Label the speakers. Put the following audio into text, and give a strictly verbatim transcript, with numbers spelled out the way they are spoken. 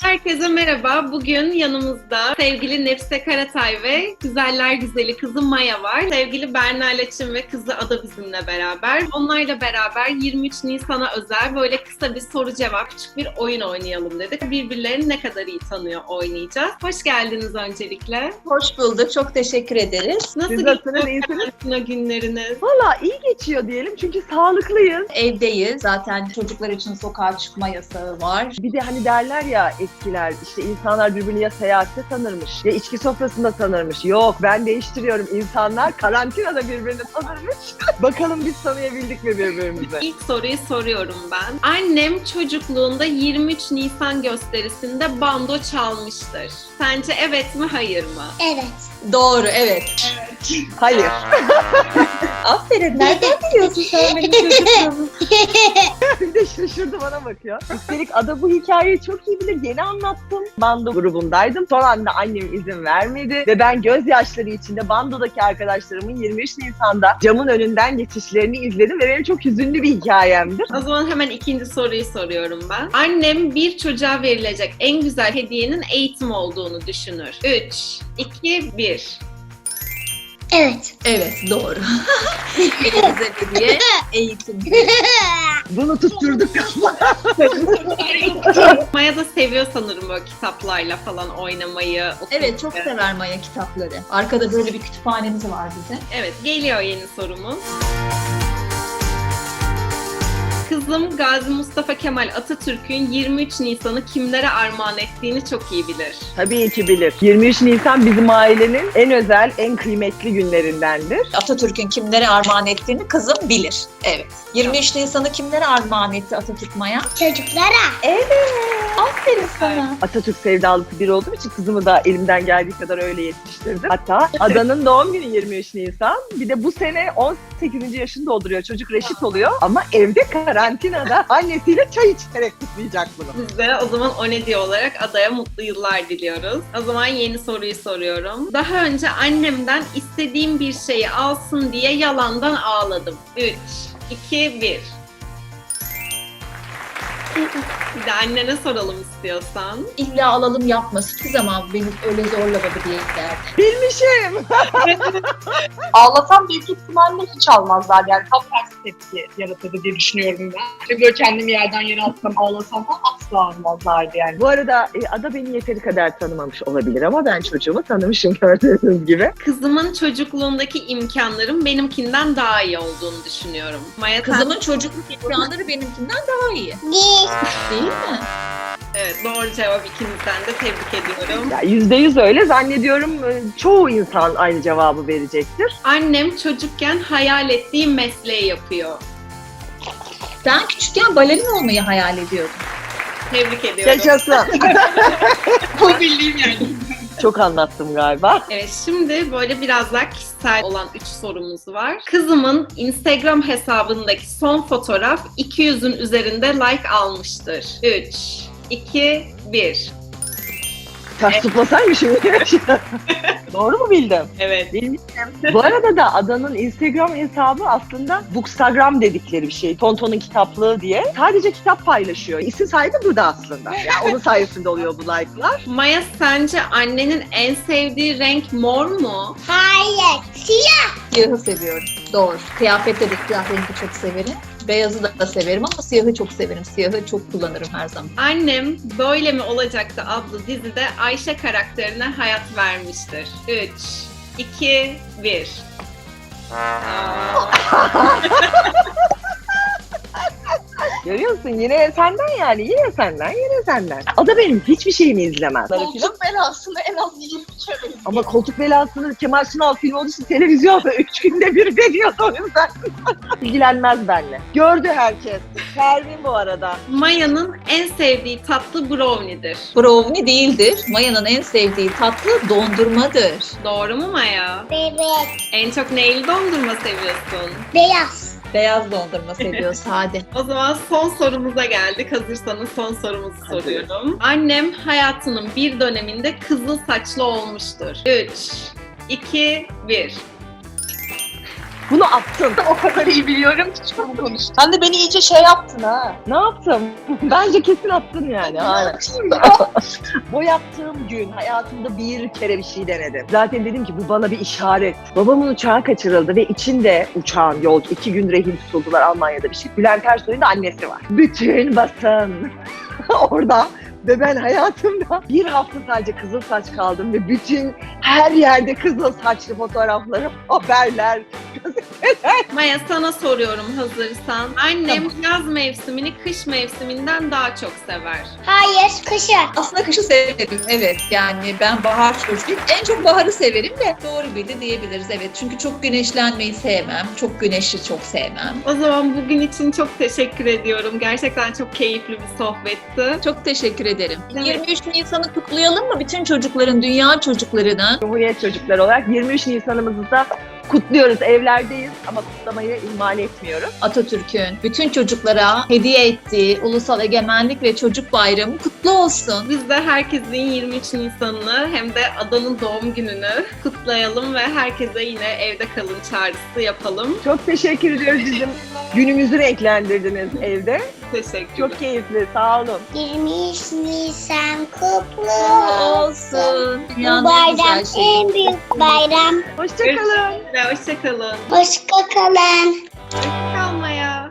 Speaker 1: Herkese merhaba. Bugün yanımızda sevgili Nefise Karatay ve güzeller güzeli kızı Maya var. Sevgili Berna Laçin ve kızı Ada bizimle beraber. Onlarla beraber yirmi üç Nisan'a özel böyle kısa bir soru cevap, küçük bir oyun oynayalım dedik. Birbirlerini ne kadar iyi tanıyor oynayacağız. Hoş geldiniz öncelikle.
Speaker 2: Hoş bulduk. Çok teşekkür ederiz.
Speaker 1: Nasıl
Speaker 3: Siz
Speaker 1: geçiyor
Speaker 3: nasılsınız, iyisiniz?
Speaker 1: karantina günleriniz?
Speaker 3: Valla iyi geçiyor diyelim çünkü sağlıklıyız.
Speaker 2: Evdeyiz. Zaten çocuklar için sokağa çıkma yasağı var.
Speaker 3: Bir de hani derler ya eskiler işte insanlar birbirini ya seyahatte tanırmış ya içki sofrasında tanırmış. Yok ben değiştiriyorum. İnsanlar karantinada birbirini tanırmış. Bakalım biz tanıyabildik mi birbirimizi?
Speaker 1: İlk soruyu soruyorum ben. Annem çocukluğunda yirmi üç Nisan gösterisinde bando çalmıştır. Sence evet mi hayır mı?
Speaker 4: Evet.
Speaker 2: Doğru, evet.
Speaker 3: Hayır.
Speaker 2: Aferin. Nereden biliyorsun sen benim çocukluğumu?
Speaker 3: Bir de şaşırdı bana bakıyor. Üstelik Ada bu hikayeyi çok iyi bilir. Yeni anlattım. Bando grubundaydım. Son anda annem izin vermedi. Ve ben gözyaşları içinde bandodaki arkadaşlarımın yirmi üç Nisan'da camın önünden geçişlerini izledim. Ve benim çok hüzünlü bir hikayemdir.
Speaker 1: O zaman hemen ikinci soruyu soruyorum ben. Annem bir çocuğa verilecek en güzel hediyenin eğitim olduğunu düşünür. üç, iki, bir.
Speaker 4: Evet.
Speaker 2: Evet, doğru. En güzel hediye eğitim.
Speaker 3: Bunu tutturduk.
Speaker 1: Maya da seviyor sanırım böyle kitaplarla falan oynamayı. okumayı.
Speaker 2: Evet, çok sever Maya kitapları. Arkada böyle bir kütüphanemiz var bizim.
Speaker 1: Evet, geliyor yeni sorumuz. Kızım Gazi Mustafa Kemal Atatürk'ün yirmi üç Nisan'ı kimlere armağan ettiğini çok iyi bilir.
Speaker 3: Tabii ki bilir. yirmi üç Nisan bizim ailenin en özel, en kıymetli günlerindendir.
Speaker 2: Atatürk'ün kimlere armağan ettiğini kızım bilir. Evet. yirmi üç Nisan'ı kimlere armağan etti Atatürk Maya?
Speaker 4: Çocuklara.
Speaker 2: Evet. Aferin sana.
Speaker 3: Atatürk sevdalısı biri olduğum için kızımı da elimden geldiği kadar öyle yetiştirdim. Hatta Adanın doğum günü yirmi üç Nisan. Bir de bu sene on sekizinci yaşını dolduruyor. Çocuk reşit oluyor ama evde karantinada annesiyle çay içerek kutlayacak bunu.
Speaker 1: Biz de o zaman o ne diyor olarak adaya mutlu yıllar diliyoruz. O zaman yeni soruyu soruyorum. Daha önce annemden istediğim bir şeyi alsın diye yalandan ağladım. üç, iki, bir. Bir de annene soralım istiyorsan.
Speaker 2: İlla alalım yapması. Hiçbir zaman beni öyle zorlamadı diye derdi.
Speaker 3: Bilmişim.
Speaker 5: Ağlasam büyük ihtimalle hiç almazlar. Yani tam tersi tepki yaratırdı diye düşünüyorum ben. İşte böyle kendimi yerden yere atsam, ağlasam falan asla almazlardı yani.
Speaker 3: Bu arada e, Ada beni yeteri kadar tanımamış olabilir ama ben çocuğumu tanımışım gördüğünüz gibi.
Speaker 1: Kızımın çocukluğundaki imkanların benimkinden daha iyi olduğunu düşünüyorum. Maya sen-
Speaker 2: Kızımın çocukluk imkanları benimkinden daha iyi.
Speaker 4: Değil.
Speaker 2: Değil mi?
Speaker 1: Evet, doğru cevap, ikinizden de tebrik ediyorum.
Speaker 3: Ya yüzde yüz öyle zannediyorum e, çoğu insan aynı cevabı verecektir.
Speaker 1: Annem çocukken hayal ettiği mesleği yapıyor.
Speaker 2: Ben küçükken balerin olmayı hayal ediyordum.
Speaker 1: Tebrik ediyorum.
Speaker 3: Yaşasın.
Speaker 5: Bu bildiğim yani.
Speaker 3: Çok anlattım galiba.
Speaker 1: Evet, şimdi böyle biraz daha kişisel olan üç sorumuz var. Kızımın Instagram hesabındaki son fotoğraf iki yüzün üzerinde like almıştır. üç, iki, bir.
Speaker 3: Ters tutmasaymış şimdi. Doğru mu bildim?
Speaker 1: Evet.
Speaker 3: Bilmişim. Bu arada da Adanın Instagram hesabı aslında Bookstagram dedikleri bir şey. Tonton'un kitaplığı diye. Sadece kitap paylaşıyor. İsim sahibi burada aslında. Yani onun sayesinde oluyor bu like'lar.
Speaker 1: Maya, sence annenin en sevdiği renk mor mu?
Speaker 4: Hayır. Siyah.
Speaker 2: Siyahı seviyorum. Doğru. Kıyafette de siyah rengi çok severim. Beyazı da severim ama siyahı çok severim. Siyahı çok kullanırım her zaman.
Speaker 1: Annem Böyle Mi Olacaktı adlı dizide Ayşe karakterine hayat vermiştir. üç, iki, bir.
Speaker 3: Görüyor musun? Yine senden yani. Yine senden, yine senden. Ada benim hiçbir şeyimi izlemez.
Speaker 5: Koltuk belasını en az yirmi kere izledim.
Speaker 3: Ama koltuk belasını Kemal Sunal filmi olduğu için televizyonda üç günde bir veriyordu o yüzden. İlgilenmez benimle. Gördü herkes. Pervin bu arada.
Speaker 1: Maya'nın en sevdiği tatlı brownie'dir.
Speaker 2: Brownie değildir. Maya'nın en sevdiği tatlı dondurmadır.
Speaker 1: Doğru mu Maya?
Speaker 4: Bebek.
Speaker 1: En çok neyli dondurma seviyorsun?
Speaker 4: Beyaz.
Speaker 2: Beyaz dondurma seviyor sade.
Speaker 1: O zaman son sorumuza geldik. Hazırsanız son sorumuzu
Speaker 3: Hadi.
Speaker 1: soruyorum. Annem hayatının bir döneminde kızıl saçlı olmuştur. üç, iki, bir.
Speaker 3: Bunu attın.
Speaker 5: O kadar iyi biliyorum ki şunu konuş. Sen de beni iyice şey yaptın ha.
Speaker 3: Ne yaptım? Bence kesin attın yani. Aynen.
Speaker 5: Yapayım ya.
Speaker 3: Bu yaptığım gün hayatımda bir kere bir şey denedim. Zaten dedim ki bu bana bir işaret. Babamın uçağı kaçırıldı ve içinde uçağın yolcu iki gün rehin tutuldular Almanya'da bir şey. Bülent Ersoy'un da annesi var. Bütün basın orada. Ve ben hayatımda bir hafta sadece kızıl saç kaldım ve bütün her yerde kızıl saçlı fotoğraflarım, haberler,
Speaker 1: Maya sana soruyorum hazırsan. Annem yaz mevsimini kış mevsiminden daha çok sever.
Speaker 4: Hayır, kışın.
Speaker 2: Aslında kışı severim, evet. Yani ben bahar çocuğuyum. En çok baharı severim de doğru bildi diyebiliriz, evet. Çünkü çok güneşlenmeyi sevmem. Çok güneşi çok sevmem.
Speaker 1: O zaman bugün için çok teşekkür ediyorum. Gerçekten çok keyifli bir sohbetti.
Speaker 2: Çok teşekkür ederim.
Speaker 1: Evet.
Speaker 2: yirmi üç Nisan'ı kutlayalım mı? Bütün çocukların, dünya çocuklarının.
Speaker 3: Cumhuriyet çocukları olarak yirmi üç Nisan'ımızı da kutluyoruz. Evlerdeyiz ama kutlamayı ihmal etmiyoruz.
Speaker 2: Atatürk'ün bütün çocuklara hediye ettiği Ulusal Egemenlik ve Çocuk Bayramı kutlu olsun.
Speaker 1: Biz de herkesin yirmi üç Nisan'ını hem de Ada'nın doğum gününü kutlayalım ve herkese yine evde kalın çağrısı yapalım.
Speaker 3: Çok teşekkür ediyoruz, bizim günümüzü renklendirdiniz evde.
Speaker 1: Teşekkür
Speaker 3: Çok keyifli, sağ olun.
Speaker 4: yirmi üç Nisan kutlu olsun.
Speaker 2: Olsun.
Speaker 4: Bu
Speaker 2: Dünyanın en güzel
Speaker 4: bayram
Speaker 2: şeyi.
Speaker 4: en büyük bayram.
Speaker 3: Hoşçakalın.
Speaker 1: Ve hoşçakalın.
Speaker 4: Hoşça kalın.
Speaker 1: Hoşçakalmaya.